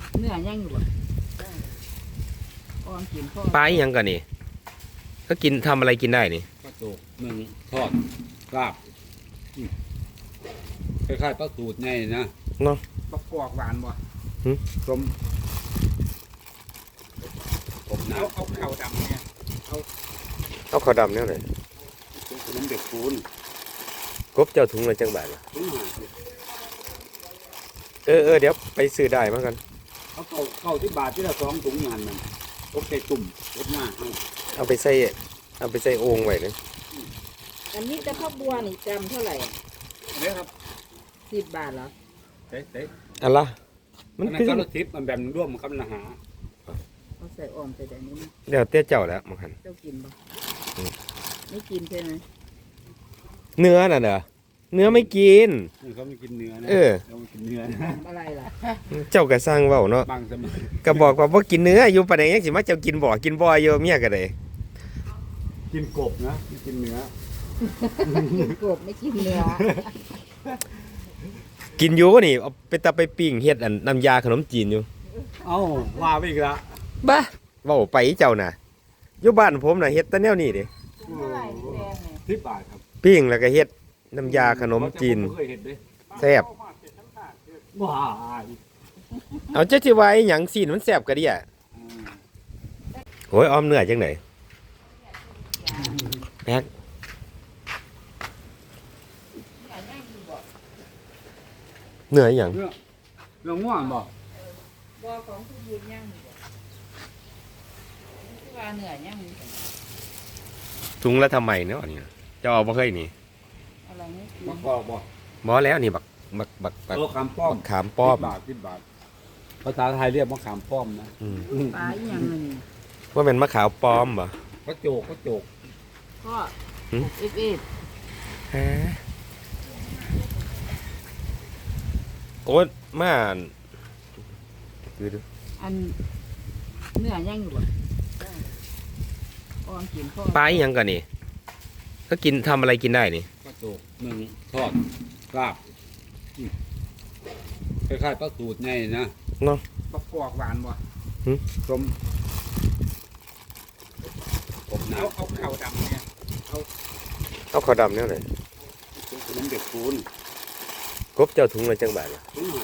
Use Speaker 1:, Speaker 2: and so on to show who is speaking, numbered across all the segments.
Speaker 1: เนื้อย่างอยู่บ่อ้อมกินพ่อ
Speaker 2: ปลาอีหยังกันนี่ก็กินทำอะไรกินได้นี่
Speaker 3: ปลาโจกหนึ่งทอดลาบคล้ายๆปลาสูตรไงนะ
Speaker 2: เนาะ
Speaker 1: ประกอบหวานบ่
Speaker 3: ต้มผมน้
Speaker 1: เอาเข่าดำเนี่ย
Speaker 2: เอาข้าวดำเนี่ยเลย
Speaker 3: ำขนมเด็กปูน
Speaker 2: กบเจ้าถุงละจังบาทล่ะ
Speaker 3: ถุงหา
Speaker 2: เดี๋ยวไปซื้อได้มากัน
Speaker 3: เขาเข้าที่บาทที่ละ2 ถุงงานมันตกใส่ตุ่มรถหน้าให้
Speaker 2: เอาไปใส่โอ่งไว้เลย
Speaker 1: อันนี้แต่ข้าวบัวนี่จำเท่าไหร่
Speaker 3: เนี่ยครับ
Speaker 1: 10 บาทเหรอ
Speaker 3: เต๊ะ
Speaker 2: อันละมั
Speaker 3: มัน น
Speaker 2: คือ
Speaker 3: ก็รถทิพย์มันแบบร่วมมันคำละหา
Speaker 1: เอาใส่อ้อมใส่แต่นี้นะ
Speaker 2: เดี๋ยวเตี้ยเจ้าแล้วมังหัน
Speaker 1: เจ้ากินบ่ไม่กินใช่ไหม
Speaker 2: เนื้อน่ะเด้อเนื้อไม่กิน
Speaker 3: เขาไม่กินเนื้อนะ
Speaker 2: เออ
Speaker 3: เขาไม่กินเนื้อนะ
Speaker 1: ทำอะไรล่ะ
Speaker 2: เจ้าก็สร้างเว้าเนาะ
Speaker 3: บางสมัย
Speaker 2: ก็บอกว่าบ่กินเนื้ออยู่ปานใดยังสิมาเจ้ากินบ่กินบ่อยู่เมียก็ได้
Speaker 3: กินกบนะไม่กินเนื้อ
Speaker 1: กินกบไม่กินเนื้อ
Speaker 2: กินอยู่นี่เอาไปตะไปปิ้งเฮ็ดอันน้ำยาขนมจีนอยู่
Speaker 3: เอ้าว่าไปอีกละ
Speaker 2: บ้าเว้าไปเจ้าน่ะอยู่บ้านผมน่ะเฮ็ดแต่แนวนี้เด้
Speaker 1: เท่าไหร่พี่แดงเนี่ย
Speaker 3: 10 บาทครับ
Speaker 2: ปิ้งแล้วก็เฮ็ดน้ำยาขนมจีน
Speaker 3: ผมเคยเห็นเด้
Speaker 2: แซ่บ
Speaker 3: ว้าย
Speaker 2: เอาเจ้าสิว่าอีหยังซีนมันแซ่บกะเดิอ่ะโอ้ยออมเนื้อจังได๋แพ็กเนื้ออีหยัง
Speaker 3: เรื่องง่วงบ่
Speaker 1: บัวของผู้ยืนย่างอยู่บ่ที่ว่าเนื้อย่างอยู่
Speaker 2: ถุงละทำไมเนาะนี่เจ้าเอาบ่เคยนี่
Speaker 1: อะไรไม่กิน
Speaker 3: มะกอกบ่
Speaker 2: บ่แล้วนี่บัก
Speaker 3: โลคำป้อม
Speaker 2: ขามป้อม
Speaker 3: 10 บาทภาษาไทยเรียกมะขามป้อมนะ
Speaker 2: อืม
Speaker 1: ปลาอีหยังนั่นนี่
Speaker 2: ว่าเป็นมะขาวป้อมบ่
Speaker 3: ก็โจก
Speaker 1: พ่อ
Speaker 2: หืม
Speaker 1: เอฟเอฟ
Speaker 2: ฮะโอ้ยมาดูดู
Speaker 1: อันเนื้อย่างอยู่บ่อ้อมกินพ่อ
Speaker 2: ปลาอีหยังกันนี่ก็กินทำอะไรกินได้นี่
Speaker 3: ปลาโจกหนึ่งทอดลาบคล้ายๆปลาสูตรไงนะ
Speaker 2: เนาะ
Speaker 1: ประกอบหวานบ่
Speaker 3: ต้มผมน้
Speaker 1: เอาเข่าดำเนี่ย
Speaker 2: เอาข้าวดำเนี่ยเลย
Speaker 3: ำขนมเด็กปูน
Speaker 2: กบเจ้าถุงละจังบาทล่ะ
Speaker 3: ถุงหา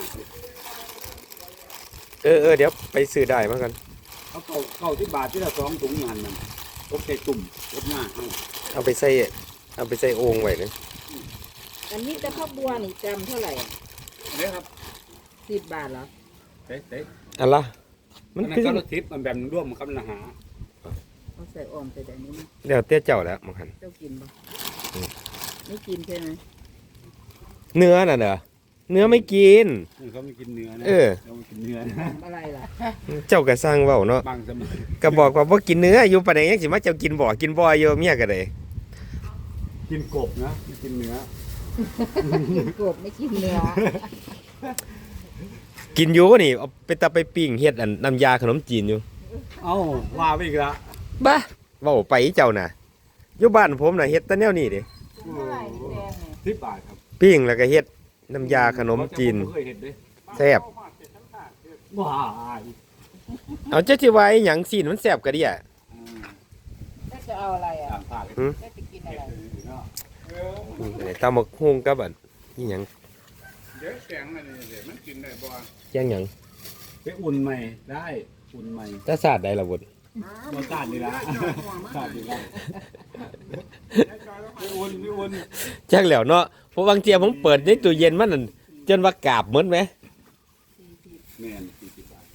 Speaker 2: เดี๋ยวไปซื้อได้มากัน
Speaker 3: เขาเข้าที่บาทที่ละ2 ถุงงานมันตกใส่ตุ่มรถหน้าให้
Speaker 2: เอาไปใส่โอ่งไว้เลย
Speaker 1: อันนี้แต่ข้าวบัวนี่จำเท่าไหร่
Speaker 3: เนี่ยครับ
Speaker 1: 10 บาทเหรอ
Speaker 3: เต๊ะ
Speaker 2: อันละมั
Speaker 3: มัน น
Speaker 2: คือ
Speaker 3: ก็รถทิพย์มันแบบร่วมมันคำละหา
Speaker 1: เอาใส่อ้อมใส่แต่นี้นะ
Speaker 2: เดี๋ยวเตี้ยเจ้าแล้วมังหัน
Speaker 1: เจ้ากินบ่ไม่กินใช่ไหม
Speaker 2: เนื้อน่ะเด้อเนื้อไม่กิน
Speaker 3: เขาไม่กินเนื้อนะ
Speaker 2: เออ
Speaker 3: เขาไม่กินเนื้อนะ
Speaker 1: ทำอะไรล่ะ
Speaker 2: เจ้าก็สร้างเว้าเนาะ
Speaker 3: บางสมัย
Speaker 2: ก็บอกว่าบ่กินเนื้ออยู่ปานใดยังสิมาเจ้ากินบ่กินบ่อยู่เมียก็ได้
Speaker 3: กินกบนะไม่กินเนื้อ
Speaker 1: กินกบไม่กินเนื้อ
Speaker 2: กินอยู่นี่เอาไปตะไปปิ้งเฮ็ดอันน้ำยาขนมจีนอยู่
Speaker 3: เอ้าว่าไปอีกละ
Speaker 2: บ้าเว้าไปเจ้าน่ะอยู่บ้านผมน่ะเฮ็ดแต่แนวนี้เด้
Speaker 1: เท่าไหร่พี่แดงเนี่ย
Speaker 3: 10 บาทครับ
Speaker 2: ปิ้งแล้วก็เฮ็ดน้ำยาขนมจีน
Speaker 3: ผมเคยเห็นเด้
Speaker 2: แซ่บ
Speaker 3: ว้าย
Speaker 2: เอาเจ้าสิว่าอีหยังซีนมันแซ่บกะเดิอ่ะ
Speaker 1: แล้วจะเอาอะไรอ่ะ
Speaker 3: ตามภาค
Speaker 1: แล้วจะกินอะไร
Speaker 3: เนาะ
Speaker 2: ตำบักหุ่งกับอันอีหยัง
Speaker 4: เดี๋ยวแกงมันนี่เดี๋ยวมันกินได้บ่
Speaker 2: แจ้งหยัง
Speaker 3: ไปอุ่นใหม่ได้อุ่นใหม่
Speaker 2: แต่ศาสตร์ใดล่ะบุตร
Speaker 3: รสชาติดีละชาติดีละไปอุ่น
Speaker 2: จักแล้วเนาะเพราะบางเที่ยผมเปิดในตู้เย็นมันนั่นจนว่ากาบหมดไหม
Speaker 3: แม่น40 บาท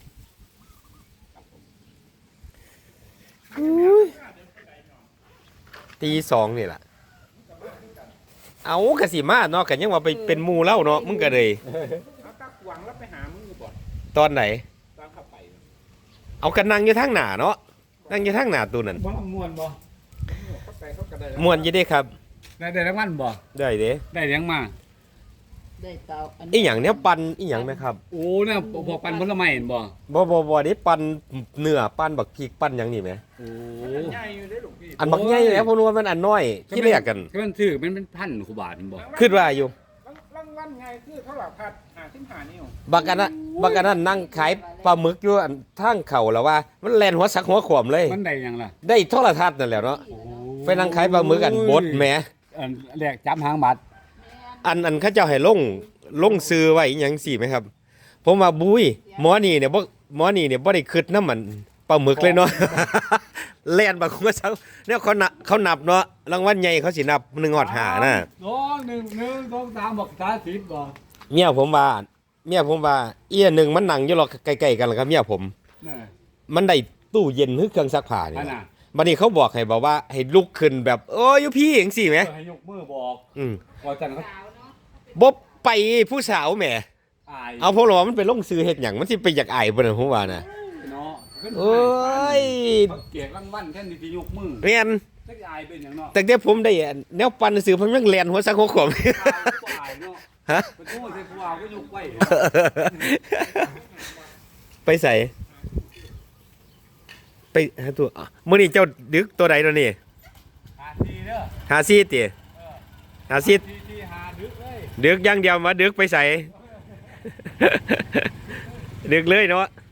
Speaker 2: ตีสองนี่ล่ะเอากะสิมาเนาะกันยังว่าไปเป็นหมู่เล่าเนาะมึงก็เลย
Speaker 4: เอาตักหวังแล้วไปหามึงอยู่บ่
Speaker 2: ตอนไหน
Speaker 4: ตามเข้าไป
Speaker 2: เอากันนั่งอยู่ทางหน้าเนาะนั่งอยู่ทางหน้าตู้นั่น
Speaker 3: บ่ม่วนบ่
Speaker 4: เข้าไปเขาก็ได้
Speaker 2: ม่วนอยู่เด้ครับ
Speaker 3: ได้รางวัลบ่
Speaker 2: ได้เด้
Speaker 3: ได้เลี้ยงมา
Speaker 1: ได้เตาอัน
Speaker 2: อีหยังเนี้ยปั่นอีหยังไหมครับ
Speaker 3: โอ้เนี่ยพวกปันผลไม้เห็นบ่
Speaker 2: บ่ได้ปั่นเนื้อปั่นบักพริกปั่นหยังนี่ไหม
Speaker 3: โอ้
Speaker 4: ใหญ่อยู่ได้ลูกพี่
Speaker 2: อันบักใหญ่แล้วผมรู้ว่ามันอันน้อยที่เรียกกัน
Speaker 3: ก็มันถือมันเป็นพันกว่าบาทเห็นบ่
Speaker 2: คิดว่าอยู่
Speaker 4: รางวัลไงคือเท่าไหร่พัด 35นิ้ว
Speaker 2: บักอันนั้นนั่งขายปลาหมึกอยู่อันทางเขาแล้วว่า มันแล่นหัวสักหัวขวมเลย
Speaker 3: มันได้หยังล่ะ
Speaker 2: ได้โทรทัศน์นั่นแหละเนาะไปนั่งขายปลาหมึกกันบดแหม
Speaker 3: อันแรกจับหางบัตร
Speaker 2: อันเขาเจ้าให้ลงซื้อไว้อิหยังสี่ไหมครับ ผมว่าบุ้ยหมอนี่เนี่ยบ่ได้คิดน้ำมันปลาหมึกเลยเนาะ แล่นบางคนก็ซักเนี่ยเขานับเนาะรางวัลใหญ่เขาสินับ1 5นะ
Speaker 3: 2 1 1 2 3บอก30บ่
Speaker 2: เมียผมว่าเอียหนึ่งมันนั่งอยู่หรอกใกล้ๆกันแล้วครับเมียผม
Speaker 3: นี่
Speaker 2: มันได้ตู้เย็นหรือเครื่องซักผ้านี่
Speaker 3: อันน่ะ
Speaker 2: บัดนี้เขาบอกว่าให้ลุกขึ้นแบบโอ้ยอยู่พี่จังซี่แหม
Speaker 3: ให้ยกมือบอก ว่าจันเขา
Speaker 1: สาวเนาะ
Speaker 2: บ่ไปผู้สาวแหม
Speaker 3: อาย
Speaker 2: เอาเพราะว่ามันไปลงซื้อเฮ็ดหยังมันสิไปอยากอายเพิ่นน่ะผมว่าน่ะ
Speaker 3: เนาะ
Speaker 2: โอ้ย
Speaker 3: เขาเกลียดรางวัลแค่นี้ที่ยกมือ
Speaker 2: แม่น
Speaker 3: จักอายเป็นหยังเนาะ
Speaker 2: แต่เดี๋ยวผมได้แนวปั่นซื้อผมยังแล่นหัวซักหัวขวม
Speaker 3: อายเนาะ
Speaker 2: ฮะ
Speaker 3: ไปโทษใส่ผู้เอาก็ยกไว้
Speaker 2: ไปใส่ไปหาตัวมื้อนี้เจ้าดึกตัวใดตัวนี้
Speaker 3: 54เด้อ
Speaker 2: หาซีติหาซี
Speaker 3: ที่หาดึกเลย
Speaker 2: ดึกอย่างเดียวมาดึกไปใส่ ดึกเลยเนาะ